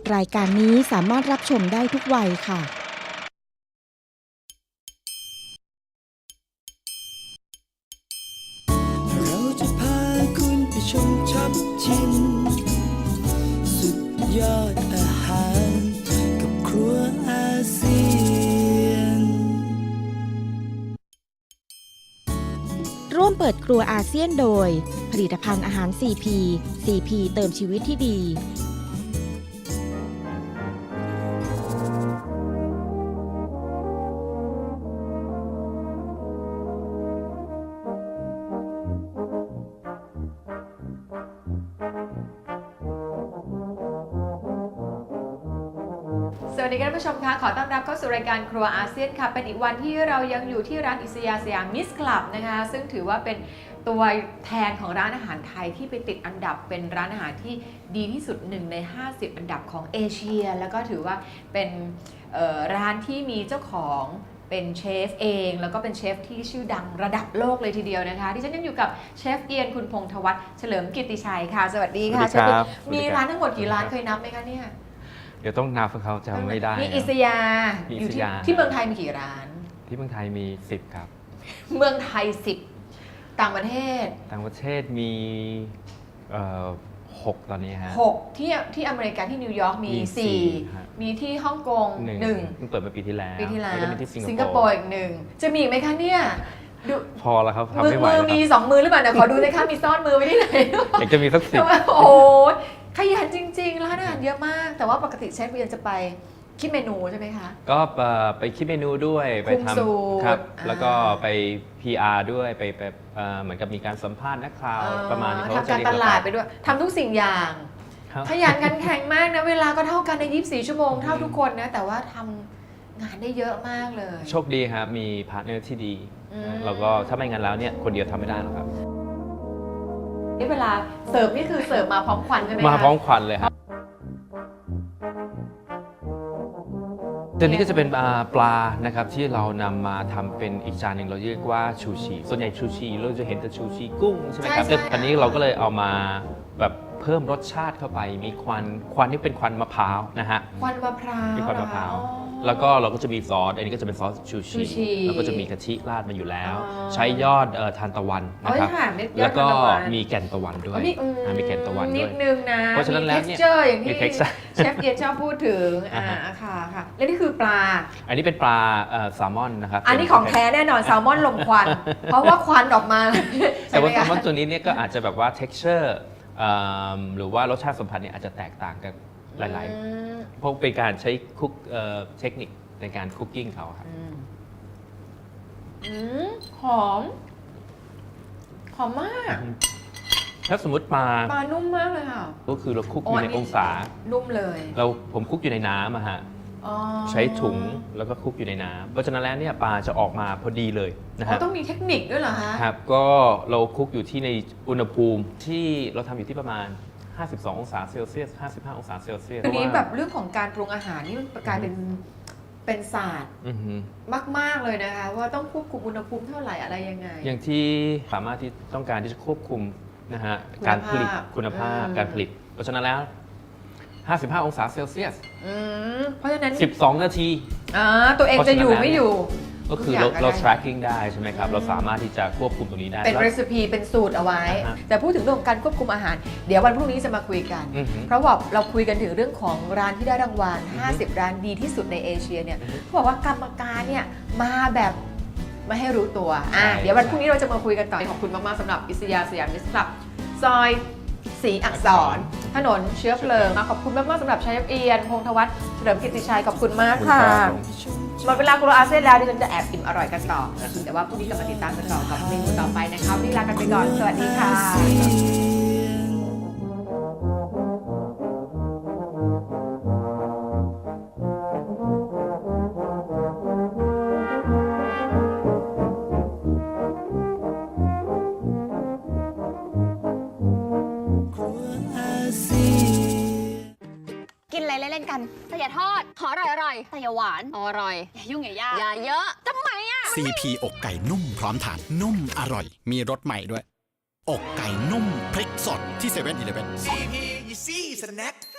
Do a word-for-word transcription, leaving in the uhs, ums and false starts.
รายการนี้สามารถรับชมได้ทุกวัยค่ะเราจะพาคุณไปชมช็อปชิมสุดยอดอาหารกับครัวอาเซียนร่วมเปิดครัวอาเซียนโดยผลิตภัณฑ์อาหาร ซี พี ซี พี เติมชีวิตที่ดีสวัสดีท่านผู้ชมคะขอต้อนรับเข้าสู่รายการครัวอาเซียนค่ะเป็นอีกวันที่เรายังอยู่ที่ร้านอิสยาสยามมิสคลับนะคะซึ่งถือว่าเป็นตัวแทนของร้านอาหารไทยที่ไปติดอันดับเป็นร้านอาหารที่ดีที่สุดหนึ่งในห้าสิบอันดับของเอเชียแล้วก็ถือว่าเป็นร้านที่มีเจ้าของเป็นเชฟเองแล้วก็เป็นเชฟที่ชื่อดังระดับโลกเลยทีเดียวนะคะที่ฉันยังอยู่กับเชฟเอียนคุณพงษ์ธวัฒน์เฉลิมกิตติชัยค่ะสวัสดีค่ะเชฟมีร้านทั้งหมดกี่ร้านเคยนับไหมคะเนี่ยเดี๋ยวต้องนับเขาจำไม่ได้มีอิสยามีออิยู่สที่ยาที่เมืองไทยมีกี่ร้านที่เมืองไทยมีสิบครับเมืองไทยสิบต่างประเทศต่างประเทศมีเอ่อหกตอนนี้ฮะหกที่ที่อเมริกาที่นิวยอร์กมีมีสี่สี่ฮะมีที่ฮ่องกงหนึ่งหนึ่งเพิ่งเปิดมาปีที่แล้วปีที่แล้วก็จะมีที่สิสิงงคคโปโปร์ร์อีกหนึ่งจะมีอีกไหมคะเนี่ยดูพอแล้วครับทำมือไม่ไหวมือแล้วมีครับสองมือหรือเปล่าเนี่ยขอดูเลยค่ะมีซ่อนมือไว้ที่ไหนอยากจะมีสักสิบโอ้โหขยันจริงๆร้านอาหารเยอะมาก แต่ว่าปกติเชฟเวียนจะไปคิดเมนูใช่ไหมคะก็เอ่อไปคิดเมนูด้วยไปคุมสูตรทำครับอ่าแล้วก็ไป พี อาร์ ด้วยไปไปเอ่อเหมือนกับมีการสัมภาษณ์นักข่าวประมาณนี้เขาทำการตลาดไปด้วยทำทุกสิ่งอย่างครับขยันขันแข็งมากนะเวลาก็เท่ากันในยี่สิบสี่ชั่วโมงเท่าทุกคนนะแต่ว่าทำงานได้เยอะมากเลยโชคดีครับมีพาร์ทเนอร์ที่ดีอืมแล้วก็ถ้าไม่งั้นแล้วเนี่ยคนเดียวทำไม่ได้หรอกครับนี่เวลาเสิร์ฟนี่คือเสิร์ฟมาพร้อมควันใช่ไหมคะมาพร้อมควันเลยครับตัวนี้ก็จะเป็นปลานะครับที่เรานำมาทำเป็นอีกจานหนึ่งเราเรียกว่าชูชีส่วนใหญ่ชูชีเราจะเห็นแต่ชูชีกุ้งใช่ไหมครับแต่ตอนนี้เราก็เลยเอามาแบบเพิ่มรสชาติเข้าไปมีควันควันที่เป็นควันมะพร้าวนะฮะควันมะพร้าวมีควันมะพร้าวอ๋อแล้วก็เราก็จะมีซอสอันนี้ก็จะเป็นซอสชูชูชีชีแล้วก็จะมีกะทิราดมาอยู่แล้วอ๋อใช้ยอดเอ่อทานตะวันนะครับโอ้ยค่ะเม็ดยอดแล้วก็ทานตะวันมีแก่นตะวันด้วยอ๋อมีอือ่ามีแก่นตะวันนิด้ดวยนึงนะเพราะฉะนั้นแล้วเนี่ยมี texture อย่างที่มี texture เชฟเอียนชอบพูดถึงอ่าอ่าฮะค่ะค่ะและนี่คือปลาอันนี้เป็นปลาเอ่อแซลมอนนะครับอันนี้ของแท้แน่นอนแซลมอนลมควัน เพราะว่าควันออกมาแต่ว่าแซใช่ลไหมอนคะตัวนี้เนี่ยก็อาจจะแบบว่า texture เอิ่มหรือว่ารสชาติสัมผัสเนี่ยอาจจะแตกต่างกันหลายอืมๆเพราะเป็นการใช้คุกเอ่อเทคนิคในการคุกกิ้งเขาครับอืมอืมหอม หอมมากถ้าสมมติปลาปลานุ่มมากเลยค่ะก็คือเราคุกออ๋อยู่ อัในนนี้องศานุ่มเลยเราผมคุกอยู่ในน้ำอะฮะอ๋อใช้ถุงแล้วก็คลุกอยู่ในน้ำเพราะฉะนั้นแล้วเนี่ยปลาจะออกมาพอดีเลยนะอ๋คอรับต้องมีเทคนิคด้วยเหรอฮะครับก็เราคลุกอยู่ที่ในอุณหภูมิที่เราทำอยู่ที่ประมาณ ห้าสิบสอง องศาเซลเซียส ห้าสิบห้า องศาเซลเซียสทีนี้เพราะว่าแบบเรื่องของการปรุงอาหารนี่มันกลายเป็นเป็นศาสตร์อือฮึมาก ๆ เลยนะคะ ว่าต้องควบคุมอุณหภูมิเท่าไหร่อะไรยังไงอย่างที่สามารถที่ต้องการที่จะควบคุมนะฮะคุณภาพการผลิตคุณภาพอืมการผลิต เพราะฉะนั้นแล้ว ห้าสิบห้า องศาเซลเซียสอืมเพราะฉะนั้นสิบสอง นาทีอ่าตัวเองจะอยู่ไม่อยู่ก็คือทุกเราย่งเรา tracking ได้ใช่ไหมครับ เราสามารถที่จะควบคุมตรงนี้ได้เป็นแล้วรีซปีเป็นสูตรเอาไว้อ่าฮะแต่พูดถึงเรื่องของการควบคุมอาหาร เดี๋ยววันพรุ่งนี้จะมาคุยกันอือฮึเพราะว่าเราคุยกันถึงเรื่องของร้านที่ได้รางวัลอือฮึห้าสิบ ร้านดีที่สุดในเอเชียเนี่ยอือฮึเขาบอกว่ากรรมการเนี่ยมาแบบไม่ให้รู้ตัวอ่ะใช่เดี๋ยววันพรุ่งนี้เราจะมาคุยกันต่อขอบคุณมาก ๆสำหรับอิสยาสยามมิสคลับซอยศรีอักษร ถนนเชื้อเพลิงขอบคุณมาก ๆสำหรับชายเอียนพงษ์ธวัฒน์เฉลิมกิตติชัยขอบคุณมากค่ะครับผมหมดเวลาครัวอาเซียนแล้วดิฉันจะแอบอิ่มอร่อยกันต่อ แต่ว่าพรุ่งนี้กลับมาติดตามกันต่อกับเมนูต่อไปนะคะวันนี้ลากันไปก่อน สวัสดีค่ะครัวอาเซียนกินอะไรเล่นๆกันแต่อย่าทอด ขออร่อยอร่อยแต่อย่าหวานอร่อย อย่ายุ่งอย่ายากอย่าเยอะทำไมอ่ะซี พี อกไก่นุ่มพร้อมทาน นุ่มอร่อย มีรสใหม่ด้วย อกไก่นุ่มพริกสดที่เซเว่นอีเลฟเว่นซี พี Easy Snack